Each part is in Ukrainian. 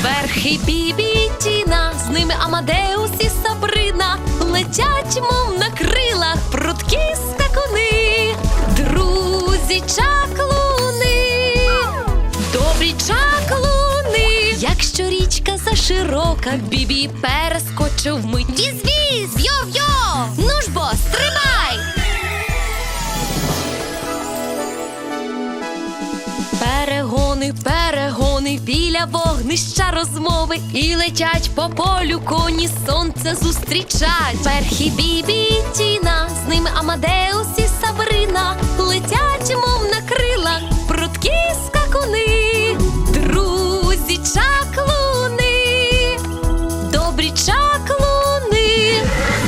Верхи Бібі і Тіна, з ними Амадеус і Сабрина. Летять, мов на крилах, прудкі скакуни. Друзі чаклуни, добрі чаклуни. Якщо річка заширока, Бібі перескочив вмить. Віз-віз, йо-йо, ну ж бо, стрибай! Перегони, перегони, біля вогнища розмови. І летять по полю коні, сонце зустрічать. Верхи Бібі і Тіна, з ними Амадеус і Сабрина. Летять, мов на крилах, прудкі скакуни. Друзі чаклуни, добрі чаклуни.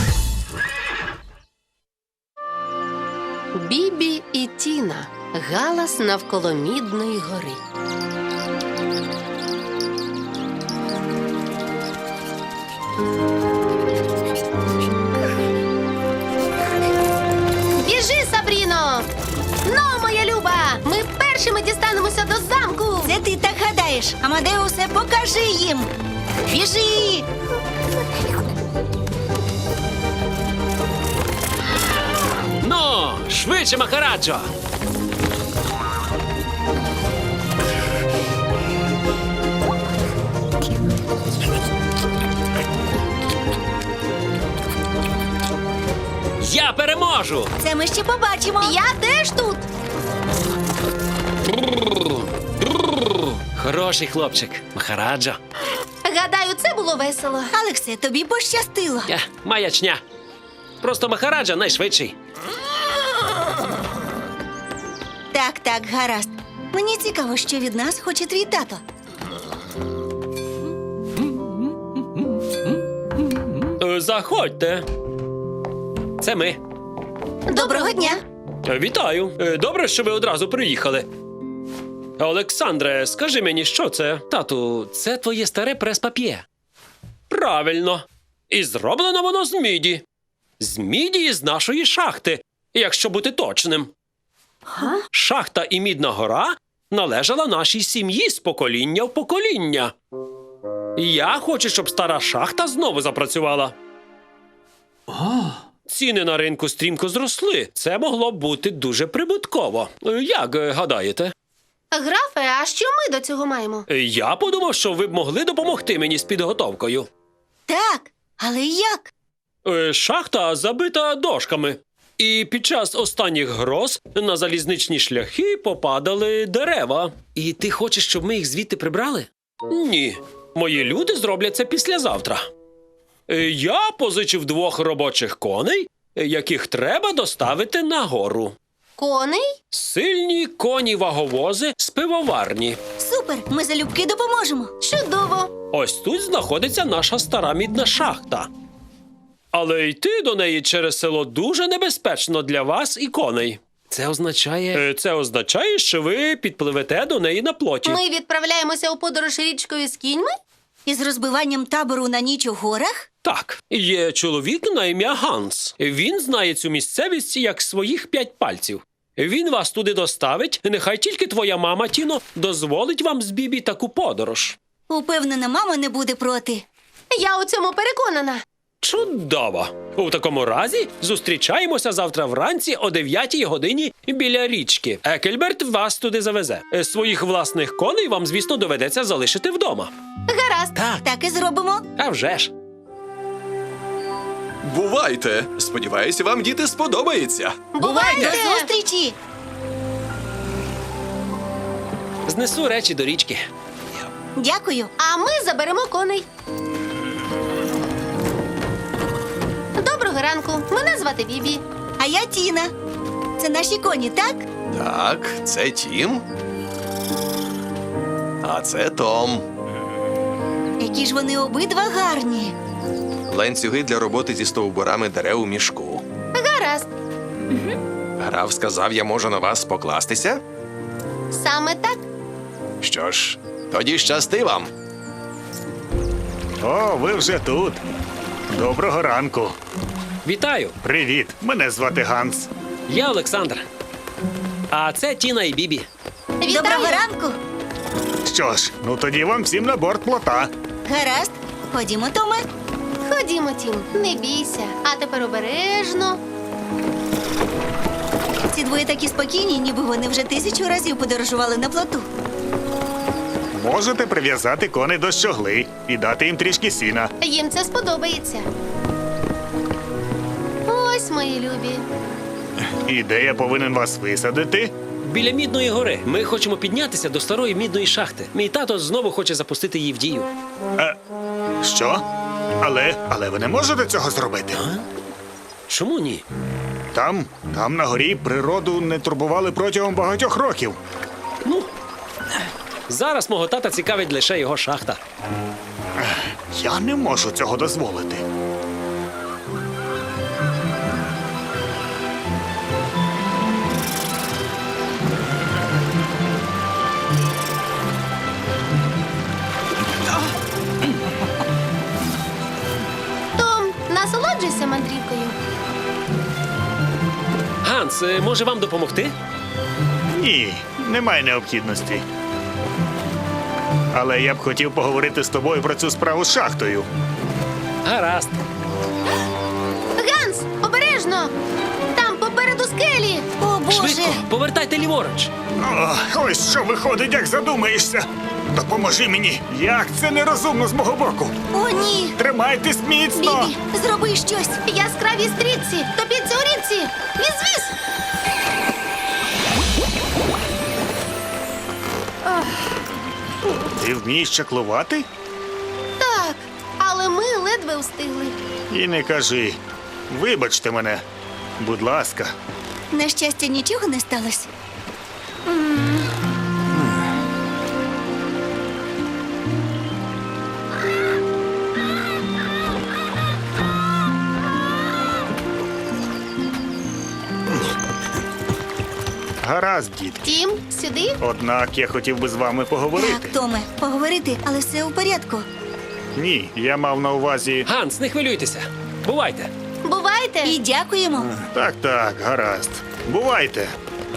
Бібі і Тіна. Галас навколо Мідної гори. Біжи, Сабріно! Ну, моя люба! Ми першими дістанемося до замку! Це ти так гадаєш. Амадеусе, покажи їм. Біжи! Ну, швидше, Махараджо! Я переможу! Це ми ще побачимо. Я теж тут! Хороший хлопчик, Махараджо. Гадаю, це було весело. Алексе, тобі пощастило. Маячня. Просто Махараджа найшвидший. Так, гаразд. Мені цікаво, що від нас хоче твій тато. Заходьте. Це ми. Доброго дня. Вітаю. Добре, що ви одразу приїхали. Олександре, скажи мені, що це? Тату, це твоє старе прес-пап'є. Правильно. І зроблено воно з міді. З міді з нашої шахти, якщо бути точним. Шахта і Мідна гора належала нашій сім'ї з покоління в покоління. Я хочу, щоб стара шахта знову запрацювала. Ціни на ринку стрімко зросли. Це могло б бути дуже прибутково. Як гадаєте? Графе, а що ми до цього маємо? Я подумав, що ви б могли допомогти мені з підготовкою. Так, але як? Шахта забита дошками. І під час останніх гроз на залізничні шляхи попадали дерева. І ти хочеш, щоб ми їх звідти прибрали? Ні. Мої люди зроблять це післязавтра. Я позичив 2 робочих коней, яких треба доставити нагору. Коней? Сильні коні-ваговози з пивоварні. Супер, ми залюбки допоможемо. Чудово! Ось тут знаходиться наша стара мідна шахта. Але йти до неї через село дуже небезпечно для вас і коней. Це означає, що ви підпливете до неї на плоті. Ми відправляємося у подорож річкою з кіньми? Із розбиванням табору на ніч у горах? Так, є чоловік на ім'я Ганс. Він знає цю місцевість як своїх 5 пальців. Він вас туди доставить, нехай тільки твоя мама, Тіно, дозволить вам з Бібі таку подорож. Упевнена, мама не буде проти. Я у цьому переконана. Чудово! У такому разі зустрічаємося завтра вранці о 9 годині біля річки. Екельберт вас туди завезе. Своїх власних коней вам, звісно, доведеться залишити вдома. Гаразд. Так і зробимо. А вже ж. Бувайте! Сподіваюся, вам, діти, сподобається. Бувайте! До зустрічі! Знесу речі до річки. Дякую. А ми заберемо коней. Доброго ранку. Мене звати Бібі. А я Тіна. Це наші коні, так? Так, це Тім. А це Том. Які ж вони обидва гарні. Ланцюги для роботи зі стовбурами дерев у мішку. Гаразд. Граф сказав, я можу на вас покластися? Саме так. Що ж, тоді щасти вам. О, ви вже тут. Доброго ранку. Вітаю! Привіт, мене звати Ганс. Я Олександр. А це Тіна і Бібі. Вітаю. Доброго ранку. Що ж, ну тоді вам всім на борт плота. Гаразд. Ходімо, Томе. Ходімо, Тім, не бійся. А тепер обережно. Ці двоє такі спокійні, ніби вони вже 1000 разів подорожували на плоту. Можете прив'язати коней до щогли і дати їм трішки сіна. Їм це сподобається. Ось, мої любі. І де я повинен вас висадити? Біля Мідної гори. Ми хочемо піднятися до старої мідної шахти. Мій тато знову хоче запустити її в дію. Що? Але ви не можете цього зробити. Чому ні? Там на горі природу не турбували протягом багатьох років. Ну, зараз мого тата цікавить лише його шахта. Я не можу цього дозволити. Том, насолоджуйся мандрівкою. Ганс, може вам допомогти? Ні, немає необхідності. Але я б хотів поговорити з тобою про цю справу з шахтою. Гаразд. Ганс, обережно! Там попереду скелі! О, Боже! Швидко, повертайте ліворуч. Ось що виходить, як задумаєшся. Допоможи мені. Як це нерозумно з мого боку. О, ні! Тримайтесь міцно. Бібі, зроби щось! Яскраві стрічці! Топіться у річці! Віз-віз! Ти вмієш чаклувати? Так, але ми ледве встигли. І не кажи. Вибачте мене. Будь ласка. На щастя, нічого не сталося. Гаразд, дід. Тім, сюди. Однак я хотів би з вами поговорити. Так, Томе, поговорити, але все у порядку. Ні, я мав на увазі. Ганс, не хвилюйтеся. Бувайте. Бувайте! І дякуємо. Так, гаразд. Бувайте.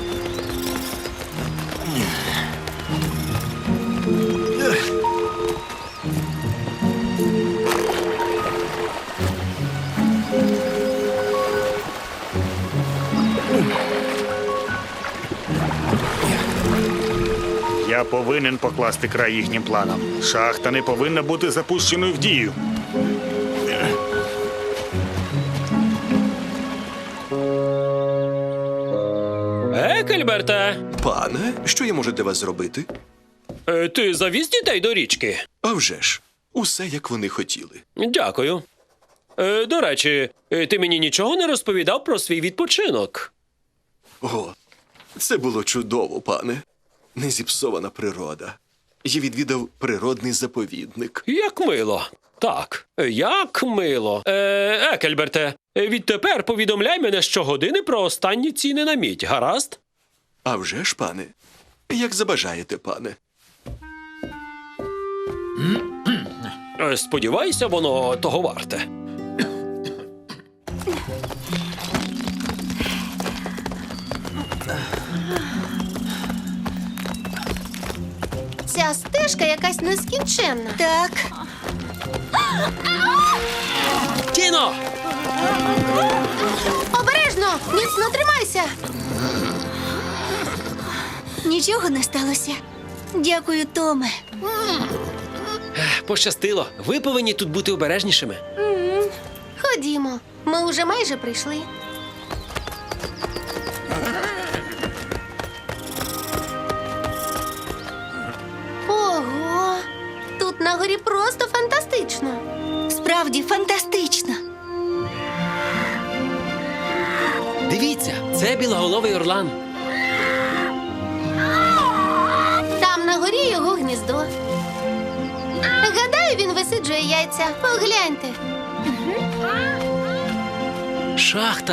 Я повинен покласти край їхнім планам. Шахта не повинна бути запущеною в дію. Екельберте, Пане, що я можу для вас зробити? ти завіз дітей до річки? А вже ж, усе як вони хотіли. Дякую. До речі, ти мені нічого не розповідав про свій відпочинок. О, це було чудово, пане. Незіпсована природа. Я відвідав природний заповідник. Як мило. Так, як мило. Екельберте, відтепер повідомляй мене щогодини про останні ціни на мідь, гаразд? А вже ж, пане, як забажаєте, пане. Сподіваюся, воно того варте. Ця стежка якась нескінченна. Так, Тіно! Обережно! Міцно тримайся! нічого не сталося. Дякую, Томе. Пощастило. Ви повинні тут бути обережнішими. Ходімо, ми уже майже прийшли. Ого! Тут на горі просто фантастично. Справді фантастично. Дивіться, це білоголовий орлан. Там на горі його гніздо. Гадаю, він висиджує яйця. Погляньте. Шахта.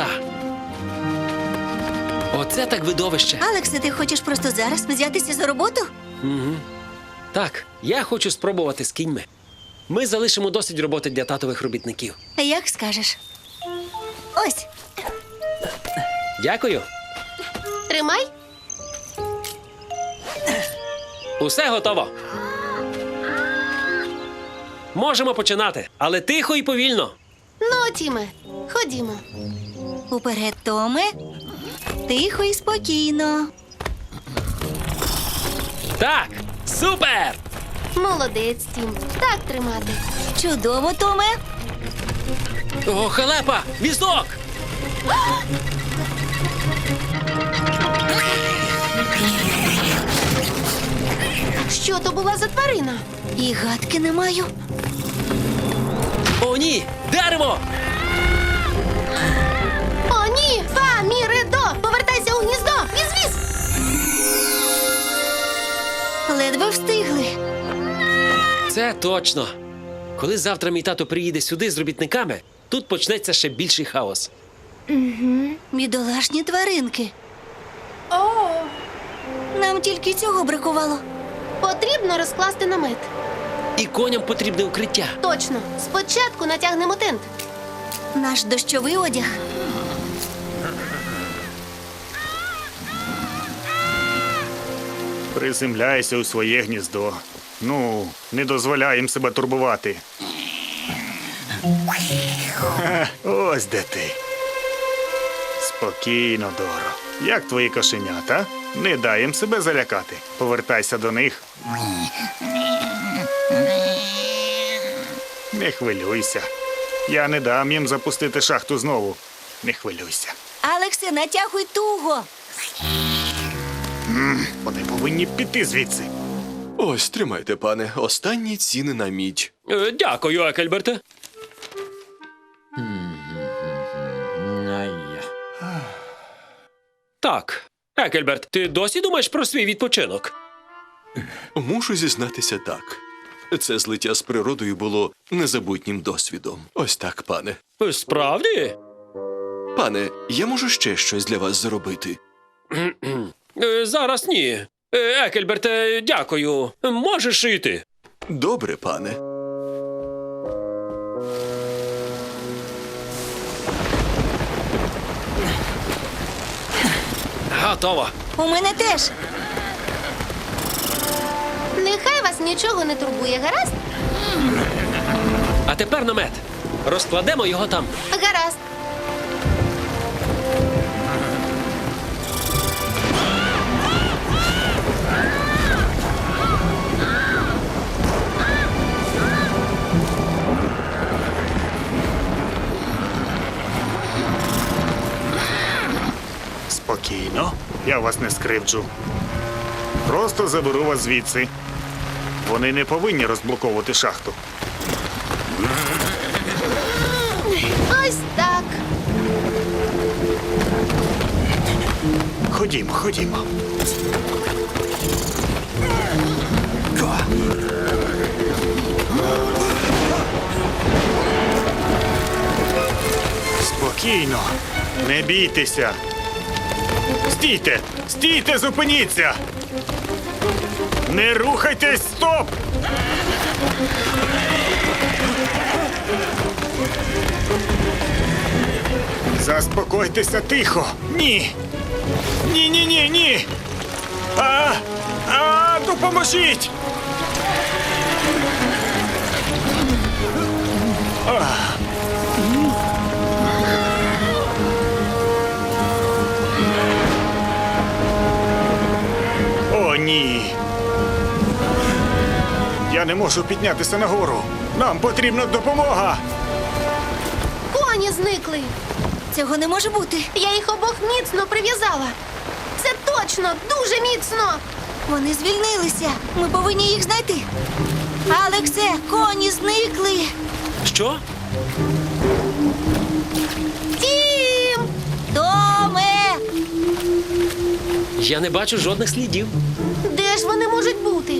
Оце так видовище. Алексе, ти хочеш просто зараз взятися за роботу? Так, я хочу спробувати з кіньми. Ми залишимо досить роботи для татових робітників. Як скажеш. Ось, Дякую. Тримай. Усе готово. Можемо починати, але тихо і повільно. Ну, Тіме, ходімо. Уперед, Томе. Тихо і спокійно. Так, супер! Молодець, Тім. Так тримати. Чудово, Томе. О, халепа! Візок! Що то була за тварина? І гадки не маю. О, ні! Дерево! О, ні! Фа-мі-ре-до! Повертайся у гніздо! Віз-віз! Ледве встигли. Це точно. Коли завтра мій тато приїде сюди з робітниками, тут почнеться ще більший хаос. Бідолашні тваринки. Нам тільки цього бракувало. Потрібно розкласти намет. І коням потрібне укриття. Точно. Спочатку натягнемо тент. Наш дощовий одяг. Приземляйся у своє гніздо. Ну, не дозволяй їм себе турбувати. Ха, ось де ти. Спокійно, Доро. Як твої кошенята? Не дай їм себе залякати. Повертайся до них. Не хвилюйся. Я не дам їм запустити шахту знову. Не хвилюйся. Алексе, натягуй туго. Вони повинні піти звідси. Ось, тримайте, пане. Останні ціни на мідь. Дякую, Екельберте. Так, Екельберт, ти досі думаєш про свій відпочинок? Мушу зізнатися так. Це злиття з природою було незабутнім досвідом. Ось так, пане. Справді? Пане, я можу ще щось для вас зробити. Зараз ні. Екельберте, дякую. Можеш йти. Добре, пане. Готово. У мене теж. Нехай вас нічого не турбує, гаразд? А тепер намет. Розкладемо його там. Гаразд. Спокійно, я вас не скривджу. Просто заберу вас звідси. Вони не повинні розблоковувати шахту. Ось так. Ходімо, ходімо. Спокійно, не бійтеся. Стійте! Стійте, зупиніться! Не рухайтесь, стоп! Заспокойтеся тихо! Ні! Ні, ні, ні, ні! Допоможіть! О, ні! Я не можу піднятися нагору! Нам потрібна допомога! Коні зникли. Цього не може бути. Я їх обох міцно прив'язала. Це точно, дуже міцно. Вони звільнилися. Ми повинні їх знайти. Алексе, коні зникли. Що? Тім! Томе! Я не бачу жодних слідів. Де ж вони можуть бути?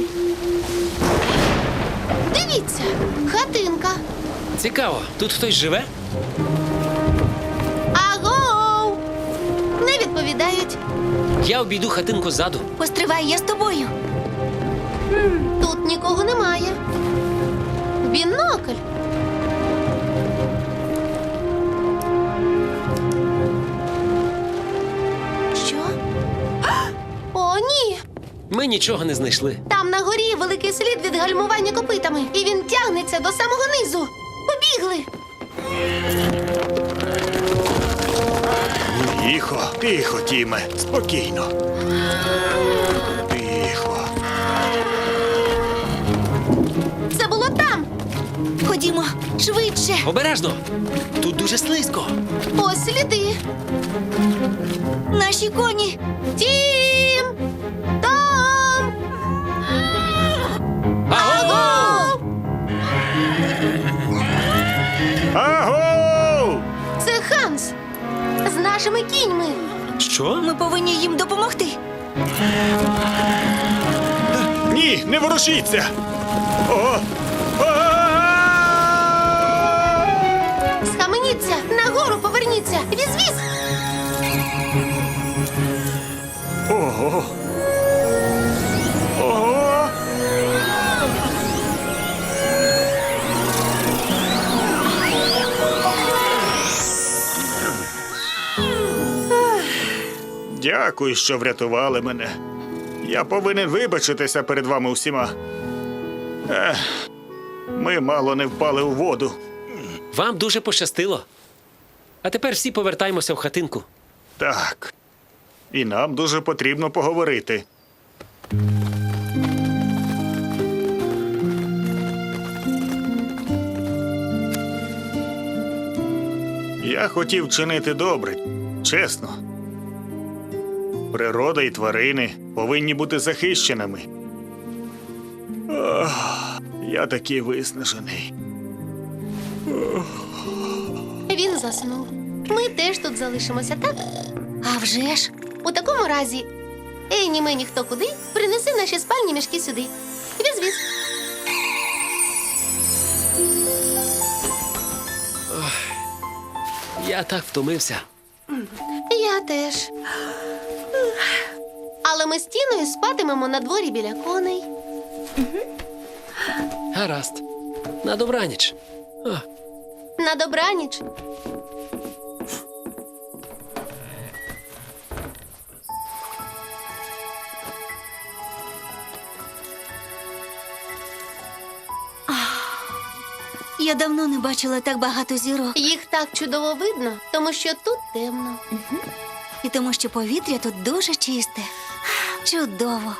Дивіться, хатинка. Цікаво, тут хтось живе? Агоу! Не відповідають. Я обійду хатинку ззаду. Постривай, я з тобою. Тут нікого немає. Бінокль. Що? О, ні! Ми нічого не знайшли. Там на горі великий слід від гальмування копитами, і він тягнеться до самого низу. Побігли! Тихо, тихо, Тіме, спокійно. Тихо. Це було там! Ходімо, швидше. Обережно! Тут дуже слизько. Ось сліди. Наші коні. Тім! Том! Аго! Аго! Це Ханс! З нашими кіньми! Що? Ми повинні їм допомогти. Ні, не ворушіться! О! Схаменіться! Нагору поверніться! Віз-віз! Ого! Ого! Дякую, що врятували мене. Я повинен вибачитися перед вами усіма. Ми мало не впали у воду. Вам дуже пощастило. А тепер всі повертаємося в хатинку. Так. І нам дуже потрібно поговорити. Я хотів чинити добре, чесно. Природа і тварини повинні бути захищеними. Я такий виснажений. Він заснув. Ми теж тут залишимося, так? А вже ж. У такому разі, Ені мені хто куди, принеси наші спальні мішки сюди. Віз-віз. Я так втомився. Я теж. Але ми з Тіною спатимемо на дворі біля коней. Гаразд. На добраніч. На добраніч. Я давно не бачила так багато зірок. Їх так чудово видно, тому що тут темно. І тому, що повітря тут дуже чисте. Чудово.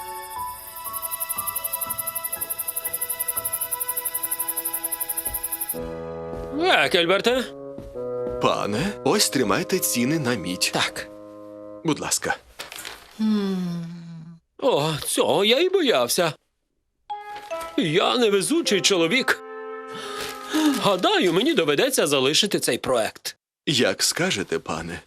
Екельберте? Пане, ось тримайте ціни на мідь. Так. Будь ласка. О, цього я і боявся. Я невезучий чоловік. Гадаю, мені доведеться залишити цей проект. Як скажете, пане.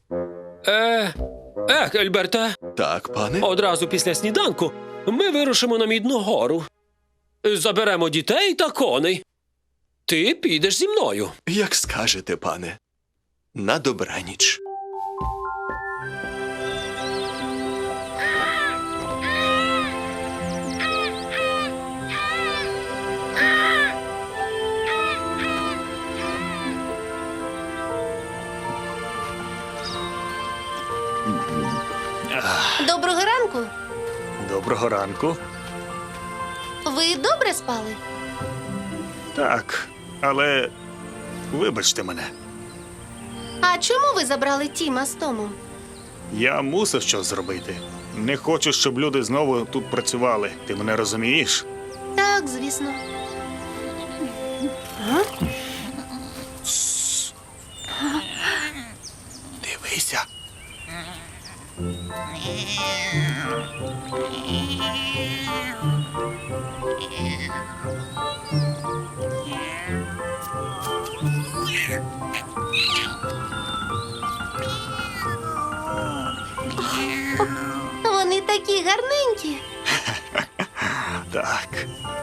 Екельберте, Так, пане. одразу після сніданку ми вирушимо на Мідну гору. Заберемо дітей та коней. Ти підеш зі мною. Як скажете, пане. На добраніч. Доброго ранку. Доброго ранку. Ви добре спали? Так, але вибачте мене. А чому ви забрали Тіма з Томом? Я мусив щось зробити. Не хочу, щоб люди знову тут працювали. Ти мене розумієш? Так, звісно. Дивися. Вони такі гарненькі. Так.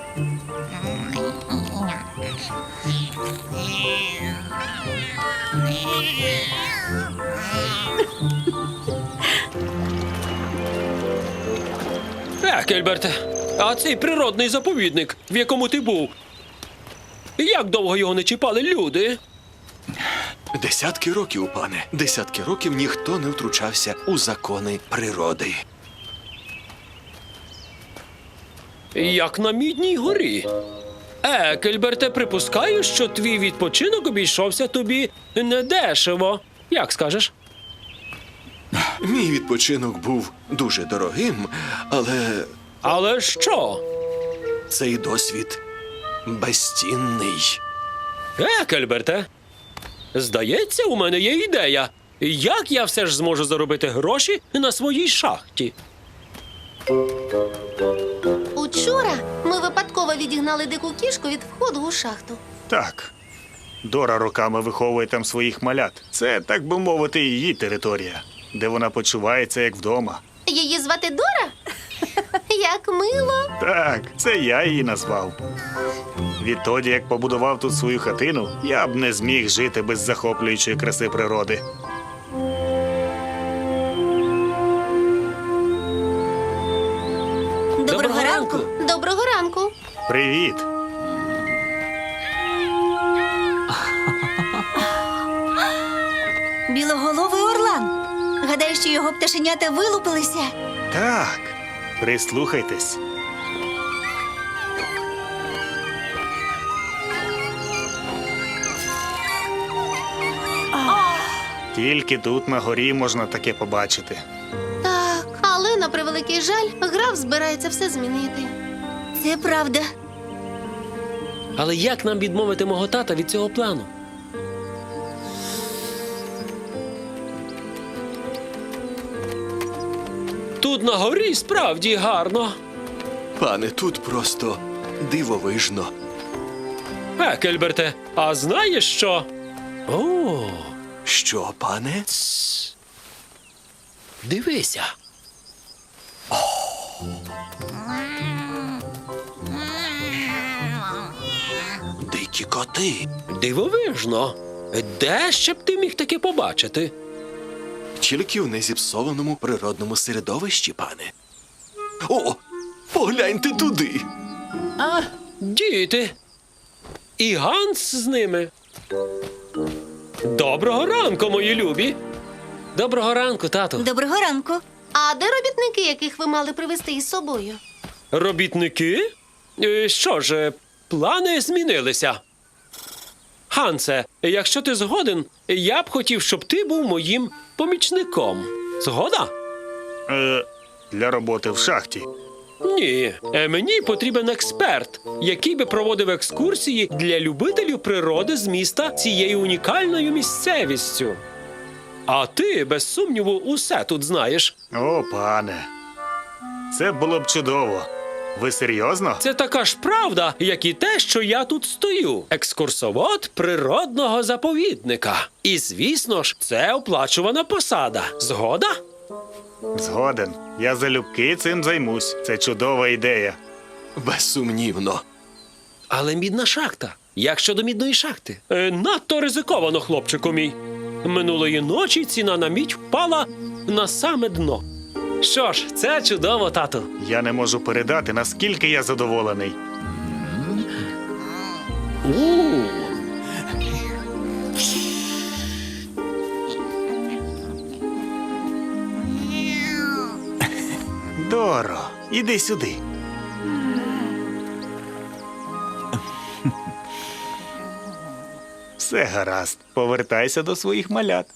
Екельберте, а цей природний заповідник, в якому ти був, як довго його не чіпали люди? Десятки років, пане. Десятки років ніхто не втручався у закони природи. як на Мідній горі. Екельберте, припускаю, що твій відпочинок обійшовся тобі недешево. Як скажеш? Мій відпочинок був дуже дорогим, але Але що? цей досвід безцінний. Екельберте, здається, у мене є ідея. Як я все ж зможу заробити гроші на своїй шахті? Учора ми випадково відігнали дику кішку від входу у шахту. Так. Дора роками виховує там своїх малят. Це, так би мовити, її територія, де вона почувається як вдома. Її звати Дора? Як мило. Так, це я її назвав. Відтоді, як побудував тут свою хатину, я б не зміг жити без захоплюючої краси природи. Доброго ранку. Доброго ранку. Привіт! Білоголовий орлан. Гадаю, що його пташенята вилупилися. Так, прислухайтесь. Тільки тут на горі можна таке побачити. Так, але на превеликий жаль, граф збирається все змінити. Це правда. Але як нам відмовити мого тата від цього плану? Тут на горі справді гарно. Пане, тут просто дивовижно. Екельберте, а знаєш що? О, Що, пане? дивися. Дикі коти. Дивовижно. Де ще б ти міг таке побачити? Тільки в незіпсованому природному середовищі, пане. О, погляньте туди. Діти. І Ганс з ними. Доброго ранку, мої любі. Доброго ранку, тату. Доброго ранку. А де робітники, яких ви мали привезти із собою? Робітники? Що ж, плани змінилися. Гансе, якщо ти згоден, я б хотів, щоб ти був моїм помічником. Згода? Для роботи в шахті. Ні, мені потрібен експерт, який би проводив екскурсії для любителів природи з міста цією унікальною місцевістю. А ти, без сумніву, усе тут знаєш. О, пане. Це було б чудово. Ви серйозно? Це така ж правда, як і те, що я тут стою. Екскурсовод природного заповідника. І, звісно ж, це оплачувана посада. Згода? Згоден. Я залюбки цим займусь. Це чудова ідея. Безсумнівно. Але мідна шахта. Як щодо мідної шахти? Надто ризиковано, хлопчику мій. Минулої ночі ціна на мідь впала на саме дно. Що ж, це чудово, тату. Я не можу передати, наскільки я задоволений. Доро, іди сюди. Все гаразд. Повертайся до своїх малят.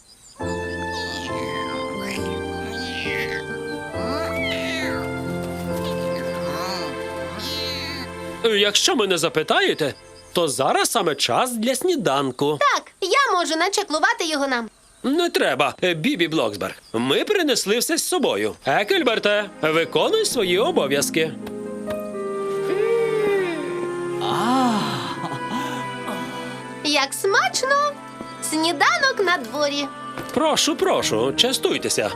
Якщо мене запитаєте, то зараз саме час для сніданку. Так, я можу начеклувати його нам. Не треба, Бібі Блоксберг. Ми принесли все з собою. Екельберте, виконуй свої обов'язки. Як смачно! Сніданок на дворі. Прошу, прошу, частуйтеся.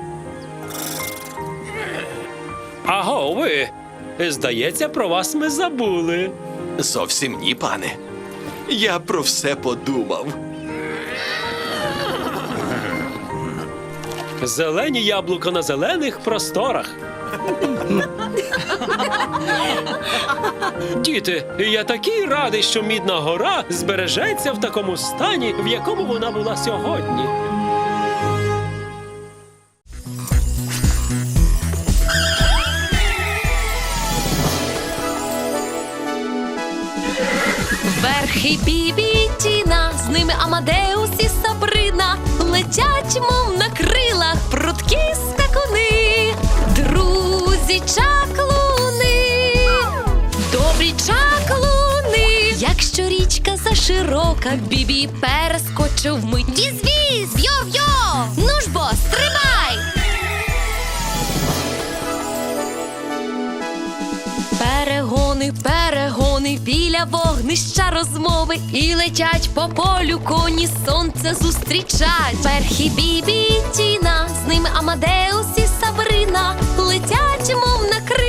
Аго, ви. Здається, про вас ми забули. Зовсім ні, пане. Я про все подумав. Зелені яблука на зелених просторах. Діти, я такий радий, що Мідна гора збережеться в такому стані, в якому вона була сьогодні. Перхі, Бібі, Тіна, з ними Амадеус і Сабрина. Летять, мов на крилах, прудкі скакуни. Друзі чаклуни, добрі чаклуни. Якщо річка заширока, Бібі перескочив вмить. Віз-віз, йо-йо! Ну ж бо, стримай! Перегони, перегони, біля вогнища розмови. І летять по полю коні, сонце зустрічать. Перхі, Бібі, Тіна, з ними Амадеус і Сабрина. Летять, мов на крилах,